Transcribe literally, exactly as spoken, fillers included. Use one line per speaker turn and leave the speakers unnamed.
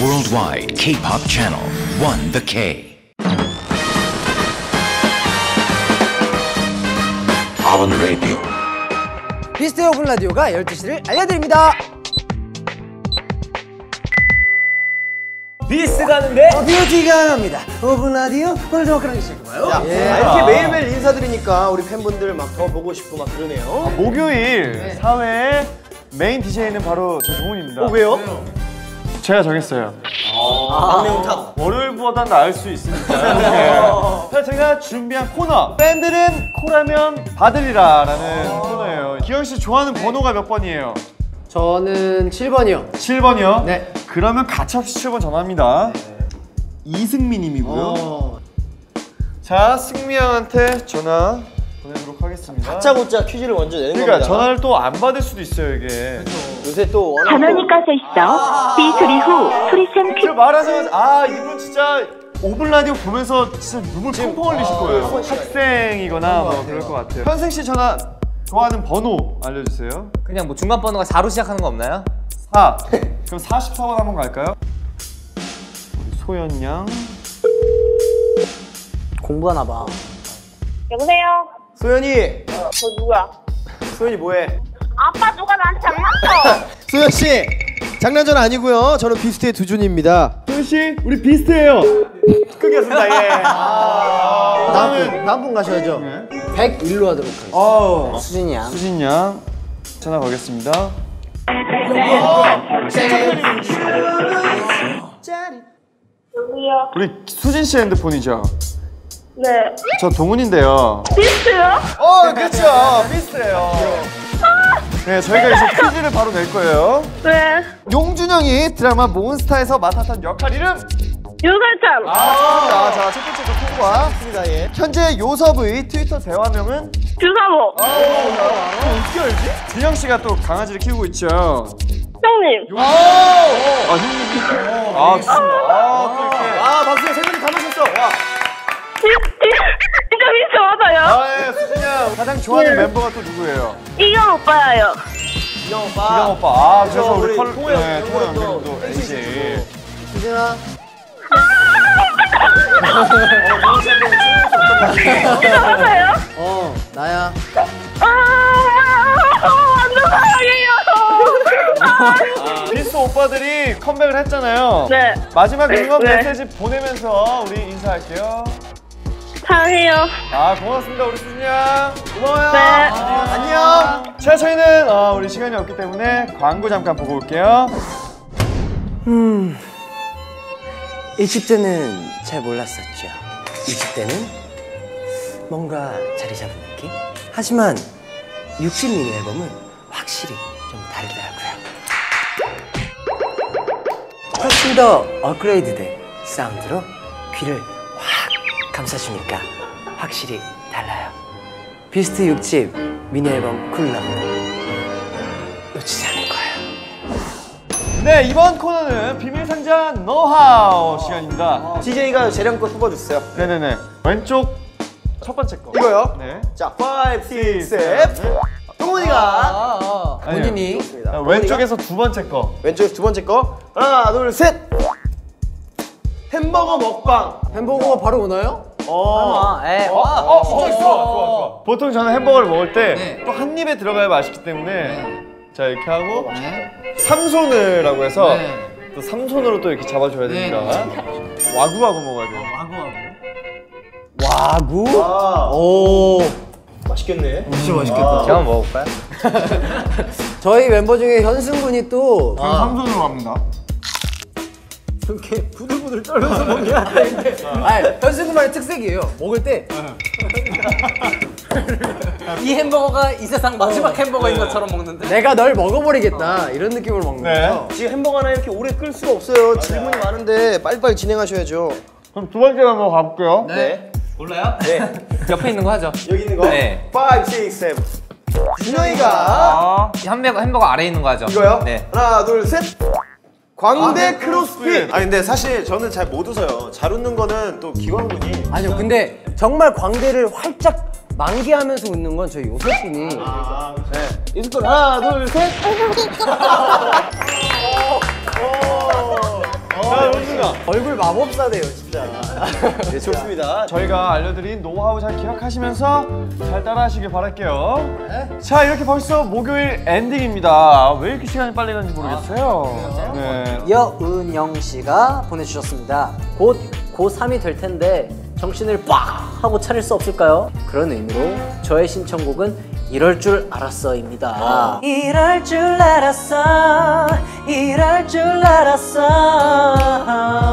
worldwide K-pop channel, One The K. 아원 라디오.
비스트의 오픈 라디오가 열두 시를 알려드립니다.
비스 가는데
어, 뷰티가 갑니다. 오픈 라디오 오늘 좀 그런 게 시작해봐요.
자, 예. 아, 이렇게 매일매일 인사드리니까 우리 팬분들 막 더 보고 싶고 막 그러네요.
아, 목요일
네.
사 회의 메인 디제이는 바로 저 동훈입니다.
어, 왜요?
제가 정했어요.
아, 막내 오타.
월요일보단 나을 수 있으니까. 네. 그래서 제가 준비한 코너, 팬들은 코라면 받으리라 라는 코너예요. 기영 씨 좋아하는 번호가 몇 번이에요?
저는 칠 번이요.
칠 번이요?
네.
그러면 가차없이 칠 번 전화합니다. 네. 이승미 님이고요.
어.
자, 승미 형한테 전화 보내도록 하겠습니다.
다짜고짜 퀴즈를 먼저 내는
그러니까
겁니다.
전화를 또 안 받을 수도 있어요, 이게.
요새 또 워낙
전원이 꺼져 있어. 삐 소리 후 소리샘 퀴즈.
제가 말하자마자 아 이분 진짜 오븐 라디오 보면서 진짜 눈물 펑펑 흘리실 거예요. 학생이거나 뭐 그럴 것 같아요. 현생 씨 전화 좋아하는 번호 알려주세요.
그냥 뭐 중간 번호가 사로 시작하는 거 없나요?
사. 그럼 사십사 번 한번 갈까요? 소연 양.
공부하나 봐.
여보세요?
소연이!
저 누구야?
소연이 뭐해?
아빠 누가 나한테 장난쳐?
소연씨! 장난전 아니고요. 저는 비스트의 두준입니다.
소연 씨, 우리 비슷해요. 크겠습니다. 예. 아,
다음 분, 다음 분 가셔야죠.
네.
백일로 하도록 하겠습니다.
어.
수진이 양.
수진 양 전화 걸겠습니다.
여보세요?
우리 수진 씨 핸드폰이죠?
네.
저 동훈인데요.
비스트요?
어, 그렇죠. 비슷해요. 네, 저희가 이제 퀴즈를 바로 낼 거예요.
네.
용준영이 드라마 몬스타에서 맡았던 역할 이름?
유설찬.
아, 자, 첫 번째 거 통과.
맞습니다, 예.
현재 요섭의 트위터 대화명은?
주사모.
아, 어떻게 알지? 준영 씨가 또 강아지를 키우고 있죠.
형님.
아, 아 형님. 아, 좋습니다. 아, 또 이렇게.
아, 박수야, 세 분이 다 마셨어. 와.
진짜 비스트 맞아요?
아, 예, 수진 양. 가장 좋아하는 멤버가 또 누구예요?
이경 오빠예요.
이경 오빠.
이경 오빠. 아, 그래서
그래서
우리
우리
컬,
통호
네,
형,
통호
통호
형님도
형도
엔씨.
수진아.
진짜 맞아요?
어, 나야.
아, 완전 사랑해요.
비스 오빠들이 컴백을 했잖아요.
네.
마지막 응원
네.
메시지 보내면서 우리 인사할게요.
사랑해요.
아, 고맙습니다, 우리 수진 양. 고마워요.
네.
안녕. 자, 저희는 어, 우리 시간이 없기 때문에 광고 잠깐 보고 올게요.
음. 이십 대는 잘 몰랐었죠. 이십 대는 뭔가 자리 잡은 느낌? 하지만 육십 미니 앨범은 확실히 좀 다르더라고요. 훨씬 더 업그레이드된 사운드로 귀를 확 감싸주니까 확실히 달라요. 비스트 육 집 미니 앨범 쿨러브 놓치지 않을 거예요.
네, 이번 코너는 비밀상자 노하우 시간입니다.
디제이가 재량껏 뽑아주세요.
네네네. 왼쪽 첫 번째 거.
이거요?
네.
자, 오, 육, 칠. 동훈이가
아, 아,
아니요.
본인이
좋습니다.
자, 왼쪽에서 두 번째 거.
왼쪽에서 두 번째 거. 하나, 둘, 셋. 햄버거 먹방.
햄버거가 바로 오나요?
어.
에.
어, 어, 좋아, 좋아, 좋아. 보통 저는 햄버거를 먹을 때
네.
또 한 입에 들어가야 맛있기 때문에 자, 이렇게 하고
네.
삼손을라고 해서
네.
또 삼손으로 또 이렇게 잡아줘야 됩니다. 와구와구 먹어야 돼요.
와구?
와.
오,
맛있겠네.
진짜 맛있겠다.
제가 한번 먹어볼까요?
저희 멤버 중에 현승군이 또
저는 삼손으로 갑니다.
이렇게 부들부들 떨면서 먹냐? 아니, 현승군만의 특색이에요. 먹을 때 이 햄버거가 이 세상 마지막 햄버거인 것처럼 먹는데 내가 널 먹어버리겠다 이런 느낌으로 먹는
네.
거죠.
지금 햄버거 하나 이렇게 오래 끌 수가 없어요. 질문이 많은데 빨리빨리 진행하셔야죠.
그럼 두 번째 한번 가볼게요.
네.
몰라요?
네.
옆에 있는 거 하죠.
여기 있는 거.
네.
오, 육, 칠. 준영이가
아,
햄버거, 햄버거 아래에 있는 거 하죠.
이거요?
네.
하나, 둘, 셋. 광대
아,
크로스핏.
아니 근데 사실 저는 잘 못 웃어요. 잘 웃는 거는 또 기광군이.
아니요, 근데 정말 광대를 활짝 만개하면서 웃는 건 저희 요섭군이.
아,
네. 이승권 하나, 둘, 셋.
자,
좋습니다.
얼굴 마법사네요 진짜.
네, 좋습니다.
저희가 알려드린 노하우 잘 기억하시면서 잘 따라하시길 바랄게요. 자, 이렇게 벌써 목요일 엔딩입니다. 왜 이렇게 시간이 빨리 가는지 모르겠어요. 네.
여은영 씨가 보내주셨습니다. 곧 고삼이 될 텐데 정신을 빡 하고 차릴 수 없을까요? 그런 의미로 저의 신청곡은 이럴 줄 알았어입니다. 어. 이럴 줄 알았어, 이럴 줄 알았어.